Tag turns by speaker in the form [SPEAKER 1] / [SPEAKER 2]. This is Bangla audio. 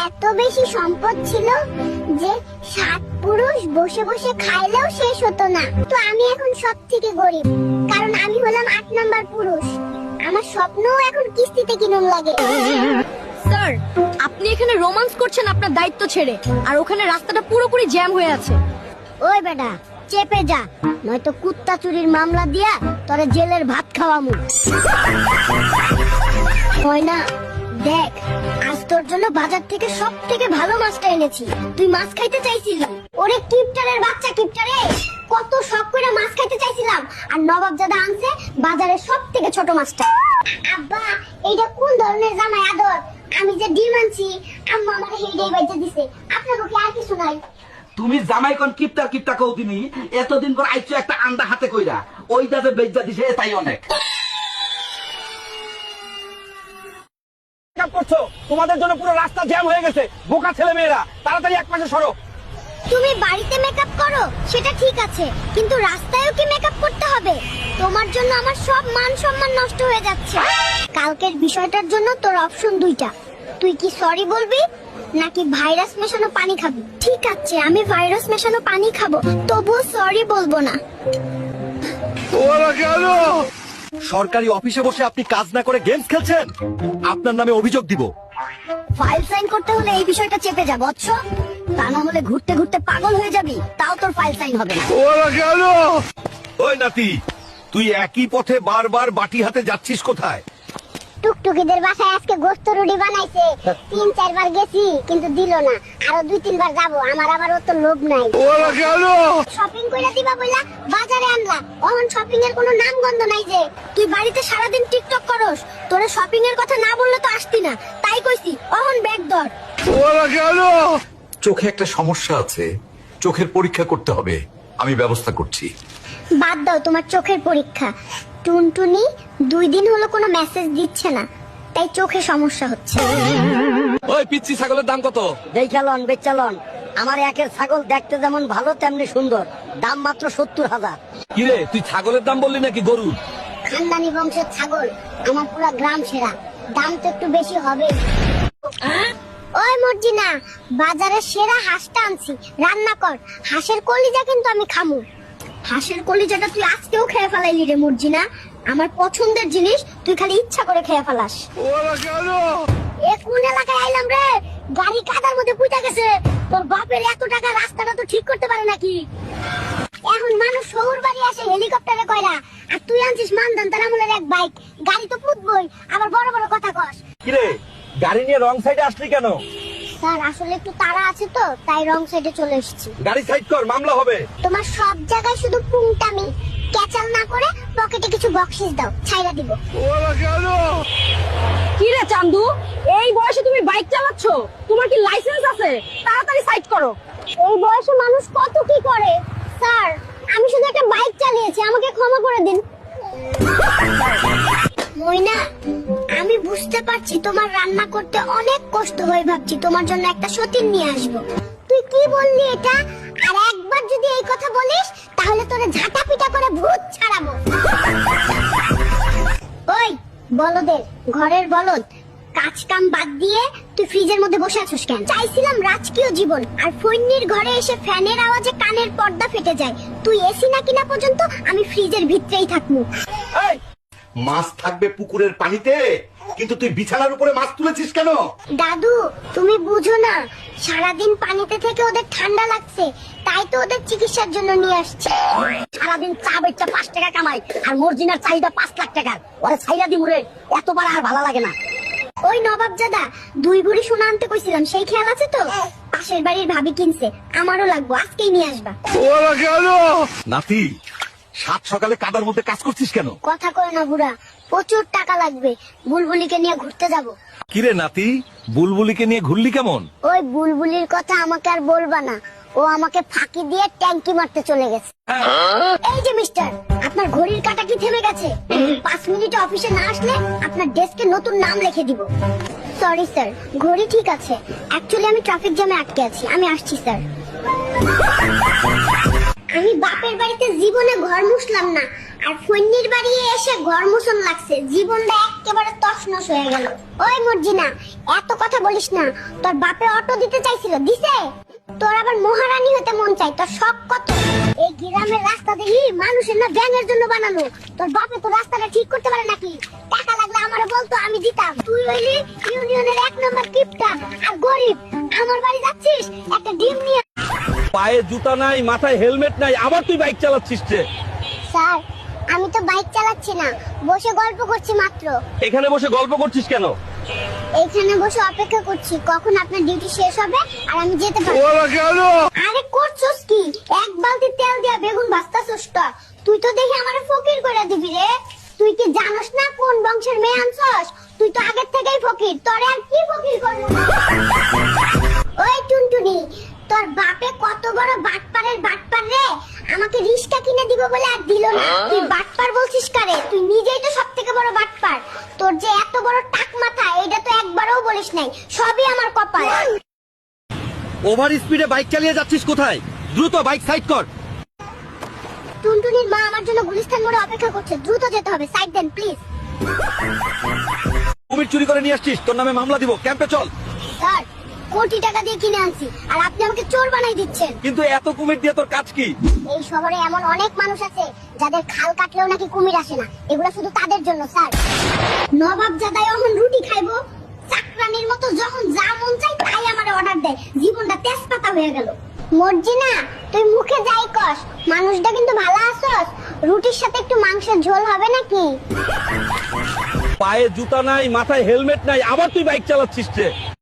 [SPEAKER 1] এত বেশি সম্পদ ছিল যে 7 পুরুষ বসে বসে খাইলেও শেষ হতো না। তো আমি এখন সব থেকে গরিব, কারণ আমি হলাম 8 নাম্বার পুরুষ। আমার স্বপ্নও এখন কিস্তিতে কিনুন লাগে।
[SPEAKER 2] স্যার, আপনি এখানে রোমান্স করছেন আপনার দায়িত্ব ছেড়ে, আর ওখানে রাস্তাটা পুরোপুরি জ্যাম হয়ে আছে।
[SPEAKER 1] ওই বেটা, চেপে যা, নয়তো কুত্তা চুরির মামলা দিয়া তোরে জেলের ভাত খাওয়ামু। হয় না, দেখ আজ তোর জন্য বাজার থেকে সব থেকে ভালো মাছটা এনেছি। তুই মাছ খাইতে চাইছিলি? ওরে কিপটারের বাচ্চা কিপটারে, কত শখ করে মাছ খাইতে চাইছিলাম, আর নবাবজাদা আনছে বাজারের সব থেকে ছোট মাছটা। আব্বা, এইটা কোন ধরনের জামাই আদর? আমি যে ডিম আনছি, আম্মা আমাকে হেডেই বাইতে দিছে। আপনাকে কি আর কিছু নাই?
[SPEAKER 3] তুমি জামাই কোন কিপটা কিপটা কও তুমি? এতদিন পর আইছো একটা আন্ডা হাতে কইরা, ওইটা যে বেজ্জা দিছে তাই অনেক। করছো তোমাদের জন্য পুরো রাস্তা জ্যাম হয়ে গেছে। বোকা ছেলে মেয়েরা, তাড়াতাড়ি এক পাশে সরো।
[SPEAKER 1] তুমি বাড়িতে মেকআপ করো সেটা ঠিক আছে, কিন্তু রাস্তায়ও কি মেকআপ করতে হবে? তোমার জন্য আমার সব মান সম্মান নষ্ট হয়ে যাচ্ছে। কালকের বিষয়টার জন্য তোর অপশন দুইটা, তুই কি সরি বলবি নাকি ভাইরাস মেশানো পানি খাবি? ঠিক আছে, আমি ভাইরাস মেশানো পানি খাবো, তবুও সরি বলবো না।
[SPEAKER 4] সরকারি অফিসে বসে আপনি কাজ না করে গেমস খেলছেন, আপনার নামে অভিযোগ দিব।
[SPEAKER 1] ফাইল সাইন করতে হলে এই বিষয়টা চেপে যা বৎস, তা না হলে ঘুরতে ঘুরতে পাগল হয়ে যাবি, তাও তোর ফাইল সাইন হবে না।
[SPEAKER 4] ওই নাতি, তুই একই পথে বারবার বাটি হাতে যাচ্ছিস কোথায়?
[SPEAKER 1] টুকটুকিদের বাসায় আজকে গোস্ত রুটি বানাইছে, 3-4 বার গেছি কিন্তু দিল না, আরো 2-3 বার যাবো। আমার আবার অত লোভ নাই। শপিং কইরা দিবা বইলা বাজারে আনলা, অহন শপিং এর কোনো নাম গন্ধ নাই। যে তুই বাড়িতে সারাদিন টিকটক করস, তোরে শপিং এর কথা না বললে তো আসতি না, তাই কইছি অহন ব্যাগ ধর।
[SPEAKER 4] চোখে একটা সমস্যা আছে, চোখের পরীক্ষা করতে হবে, আমি ব্যবস্থা করছি।
[SPEAKER 1] বাদ দাও তোমার চোখের পরীক্ষা। টুনটুনি 2 দিন হলো কোনো মেসেজ দিচ্ছে না, তাই চোখে সমস্যা হচ্ছে।
[SPEAKER 3] ওই পিচ্চি ছাগলের দাম কত?
[SPEAKER 5] দেখালন বেচালন, আমার একের ছাগল দেখতে যেমন ভালো তেমনি সুন্দর, দাম মাত্র 70,000।
[SPEAKER 3] কিরে, তুই ছাগলের দাম বললি নাকি গরুর?
[SPEAKER 1] খানদানি বংশের ছাগল, আমার পুরো গ্রাম সেরা, দাম তো একটু বেশি হবে। ওই মর্জিনা, বাজারের সেরা হাঁসটা আনছি, রান্না কর। হাঁসের কলিজা কিন্তু আমি খামু। হাঁসের কলিজাটা তুই আজকেও খেয়ে ফেলাইলি রে মর্জিনা, আমার পছন্দের জিনিস তুই খালি ইচ্ছা করে খেয়ে ফেলাস। এ কোন এলাকায় আইলাম রে? গাড়ি কাদার মধ্যে পুইতা গেছে। তোর বাপের এত টাকা, রাস্তাটা তো ঠিক করতে পারে নাকি? এখন মানুষ শহর বাড়ি আসে হেলিকপ্টারে কয়রা, আর তুই আনছিস মানদান তার আমলের এক বাইক। গাড়ি তো পুতবই, আবার বড় বড় কথা কস।
[SPEAKER 3] কিরে, গাড়ি নিয়ে রং সাইডে আসলি কেন?
[SPEAKER 1] স্যার, আসলে একটু তাড়া আছে তো, তাই রং সাইডে চলে এসেছি।
[SPEAKER 3] গাড়ি সাইড কর, মামলা হবে।
[SPEAKER 1] তোমার সব জায়গায় শুধু পুংটামি, ক্যাচাল না করে পকেটে কিছু বকশিস দাও, ছাইরা দিব।
[SPEAKER 2] কি রে চান্দু, এই বয়সে তুমি বাইক চালাচ্ছ? তোমার কি লাইসেন্স আছে? তাড়াতাড়ি সাইড করো।
[SPEAKER 1] এই বয়সে মানুষ কত কি করে। স্যার, আমি শুধু একটা বাইক চালিয়েছি, আমাকে ক্ষমা করে দিন। মইনা, আমি বুঝতে পারছি তোমার রান্না করতে অনেক কষ্ট হয়, ভাবছি তোমার জন্য একটা সতীন নিয়ে আসবো। তুই কি বললি এটা? আর একবার যদি এই কথা বলিস তাহলে তোরে ঝাঁটা পিটা করে ভূত ছাড়াবো। ওই বলদের ঘরের বলদ, কাজ কাম বাদ দিয়ে তুই ফ্রিজের মধ্যে বসে আছিস কেন? চাইছিলাম রাজকীয় জীবন, আর ফৈন্নির ঘরে এসে ফ্যানের আওয়াজে কানের পর্দা ফেটে যায়। তুই এসি না কিনা পর্যন্ত আমি ফ্রিজের ভিতরেই থাকবো।
[SPEAKER 4] মাছ থাকবে পুকুরের পানিতে, কিন্তু তুই বিছানার উপরে মাছ তুলেছিস কেন?
[SPEAKER 1] দাদু, তুমি বুঝো না, সারাদিন পানিতে থেকে ওদের ঠান্ডা লাগছে, তাই তো ওদের চিকিৎসার জন্য নিয়ে আসছে।
[SPEAKER 5] সারাদিন চা বেচা 5 টাকা কামাই, আর মর্জিনার চাহিদা 5 লাখ টাকার। ওরে ছাইরা দি মুরে, এতবার আর ভালো লাগে না।
[SPEAKER 1] ওই নবাবজাদা 2 ভরি সোনা আনতে কইছিলাম, সেই খেয়াল আছে তো? পাশের বাড়ির ভাবি কিনছে, আমারও লাগবো, আজকেই নিয়ে আসবা।
[SPEAKER 4] নাতি, সাত সকালে কাদার মধ্যে কাজ করছিস কেন?
[SPEAKER 1] কথা কয় না বুড়া, প্রচুর টাকা লাগবে, বুলবুলিকে নিয়ে ঘুরতে যাব।
[SPEAKER 4] কিরে নাতি, বুলবুলিকে নিয়ে ঘুরলি কেমন?
[SPEAKER 1] ওই বুলবুলির কথা আমাকে আর বলবা না, ও আমাকে ফাঁকি দিয়ে ট্যাঙ্কি মারতে চলে গেছে। এই যে মিস্টার, আপনার ঘড়ির কাঁটা কি থেমে গেছে? 5 মিনিটে অফিসে না আসলে আপনার ডেস্কে নতুন নাম লিখে দিব। সরি স্যার, ঘড়ি ঠিক আছে, অ্যাকচুয়ালি আমি ট্রাফিক জ্যামে আটকে আছি, আমি আসছি স্যার। আমি বাপের বাড়িতে জীবনে ঘর মুছলাম না, আর ফন্নির বাড়ি এসে ঘর মুছন লাগছে, জীবনটা একেবারে তছনছ হয়ে গেল। ওই মর্জিনা, এত কথা বলিস না। তোর বাপে অটো দিতে চাইছিল, দিছে? তোর আবার মহারানী হতে মন চাই, তোর শখ কত? এই গ্রামের রাস্তা দেখি মানুষের না ব্যাঙের জন্য বানানো। তোর বাপে তো রাস্তাটা ঠিক করতে পারে নাকি? টাকা লাগলে আমারে বলতো, আমি দিতাম। তুই হইলি ইউনিয়নের 1 নম্বর কিপটা আর গরিব। আমার বাড়ি যাচ্ছিস একটা ডিম নিয়ে।
[SPEAKER 4] পায়ে জুতা নাই, মাথায় হেলমেট নাই, আবার তুই বাইক চালাচ্ছিস রে।
[SPEAKER 1] স্যার, আমি তো বাইক চালাচ্ছি না, বসে গল্প করছি মাত্র।
[SPEAKER 4] এখানে বসে গল্প করছিস কেন?
[SPEAKER 1] এখানে বসে অপেক্ষা করছি কখন আপনার ডিউটি শেষ হবে আর আমি যেতে পারবো। আরে করছস কি? 1 বালতি তেল দিয়া বেগুন ভাজতাছস তো? তুই তো দেখি আমারে ফকির করে দিবি রে। তুই কি জানোস না কোন বংশের মেয়ে আনছস? তুই তো আগের থেকেই ফকির, তোরে আর কি ফকির করব? ওই টুনটুনি, তোর বাপে কত বড় বাটপারের বাটপার রে। আমাকে রিস্কা কিনে দিব বলে আর দিল না। তুই বাটপার বলছিস কারে? তুই নিজেই তো সবথেকে বড় বাটপার। তোর যে এত বড় টাক মাথা, এটা তো একবারও বলিস নাই। সবই আমার কপাল।
[SPEAKER 4] ওভার স্পিডে বাইক চালিয়ে যাচ্ছিস কোথায়? দ্রুত বাইক সাইড কর।
[SPEAKER 1] টুনটুনির মা আমার জন্য গুলিস্তান মোড়ে অপেক্ষা করছে, দ্রুত যেতে হবে। সাইড দেন প্লিজ।
[SPEAKER 4] কুমির চুরি করে নিয়ে আসছিস, তোর নামে মামলা দিব, ক্যাম্পে চল।
[SPEAKER 1] স্যার, কোটি টাকা দিয়ে কিনে আনছি আর আপনি আমাকে চোর বানাই দিচ্ছেন।
[SPEAKER 4] কিন্তু এত কুমির দিয়ে তোর কাজ কি?
[SPEAKER 1] এই শহরে এমন অনেক মানুষ আছে যাদের খাল কাটলেও নাকি কুমির আসে না। এগুলো শুধু তাদের জন্য স্যার। নবাব জাদাই এখন রুটি খাইবো, চাকরানির মতো যখন যা মন চাই তাই আমারে অর্ডার দেয়। জীবনটা তেজপাতা হয়ে গেল। মর্জিনা, তুই মুখে যাই কস, মানুষটা কিন্তু ভালো আছস। রুটির সাথে একটু মাংসের ঝোল হবে নাকি?
[SPEAKER 4] পায়ে জুতা নাই, মাথায় হেলমেট নাই, আবার তুই বাইক চালাচ্ছিস রে।